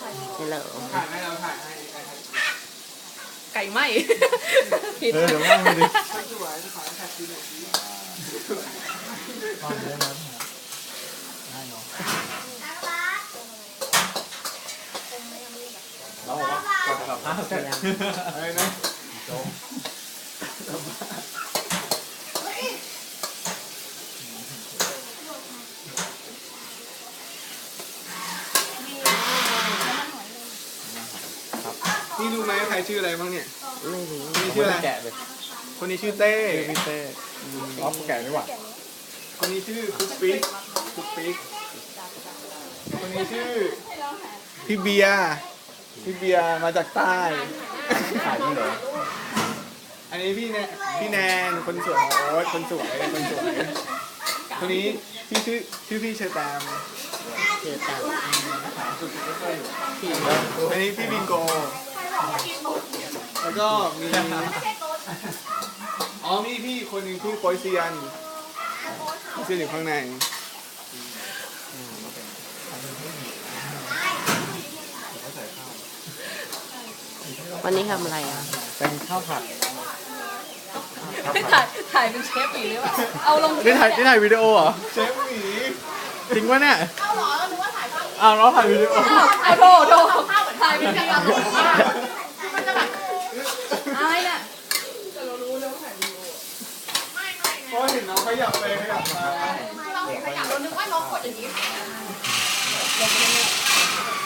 นี่เหรอถ่ายให้เราถ่ายให้ไก่ไหมผิดเดี๋ยวนั่งไปดิสวยจะขอแท็กซี่หน่อยฟังได้ไหมได้เนาะเราบอกว่าก่อนจะกลับบ้านเสร็จอะไรนะโจ๊กนี่รู้ไหมใครชื่ออะไรบ้างเนี่ยไม่รู้คนนี้ชื่ออะไรแกะเลยคนนี้ชื่อเต้พี่เต้อ๋อแกะดีกว่าคนนี้ชื่อคุกปิ๊กคุกปิ๊กคนนี้ชื่อพี่เบียร์พี่เบียร์มาจากใต้ขายที่ไหนอันนี้พี่แนนคนสวยของโอ๊ตคนสวยคนสวยคนนี้ชื่อพี่เชอร์แตมเจอตังอันนี้พี่บิงโก แล้วก็มีอ๋อมีพี่คนหนึ่งชื่อโปยเซียนเซียนอยู่ข้างในวันนี้ทำอะไรอ่ะเป็นข้าวผัดถ่ายเป็นเชฟอีกหรือเปล่าเอาลงนี่ถ่ายวิดีโอเหรอเชฟหมีจริงวะเนี่ยอ้าวเราถ่ายวิดีโอเอาโถถ่ายเป็นการลงมันจะแบบอะไรเนี่ยเพราะเห็นน้องขยับไปขยับมาเราเห็นขยะเรานึกว่าน้องกดอย่างนี้